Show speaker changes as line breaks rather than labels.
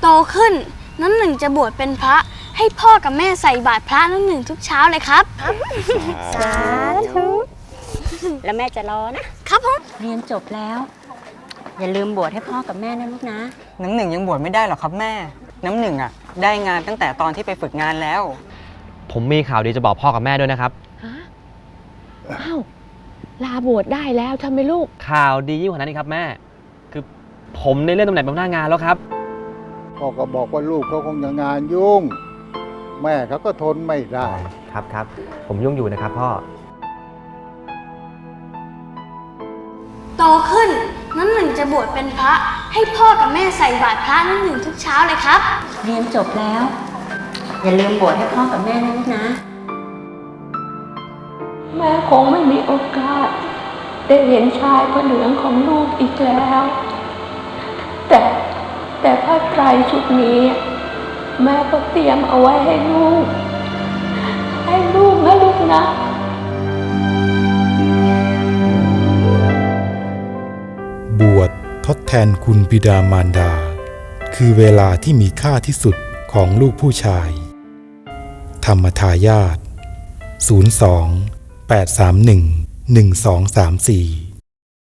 ขึ้นน้ำหนึ่งจะบวชเป็นพระให้พ่อกับแม่ใส่บาตรพระน้ำหนึ่งทุกเช้าเลยครับ
สาธุแล้วแม่จะรอนะครับ
ผม
เรียนจบแล้วอย่าลืมบวชให้พ่อกับแม่นะลูกนะ
น้ำหนึ่งยังบวชไม่ได้หรอกครับแม่น้ำหนึ่งอ่ะได้งานตั้งแต่ตอนที่ไปฝึกงานแล้ว
ผมมีข่าวดีจะบอกพ่อกับแม่ด้วยนะครับ
อ้าวลาบวชได้แล้วใช่ไหมลูก
ข่าวดียิ่งกว่านั้นนี่ครับแม่คือผมได้เลื่อนตำแหน่งเป็นหัวหน้างานแล้วครับ
พ่อก็บอกว่าลูกเขาคงจะงานยุ่งแม่เขาก็ทนไม่ได้
ครับผมยุ่งอยู่นะครับพ่อ
โตขึ้นน้ำหนึ่งจะบวชเป็นพระให้พ่อกับแม่ใส่บาตรพระน้ำหนึ่งทุกเช้าเลยครับ
เรียนจบแล้วอย่าลืมบวชให้พ่อกับแม่นะลูกนะ
แม่คงไม่มีโอกาสได้เห็นชายพระเหลืองของลูกอีกแล้วแต่ผ้าไตรชุดนี้แม่ก็เตรียมเอาไว้ให้ลูกนะลูกนะ
บวชทดแทนคุณบิดามารดาคือเวลาที่มีค่าที่สุดของลูกผู้ชายธรรมทายาท02 831 1234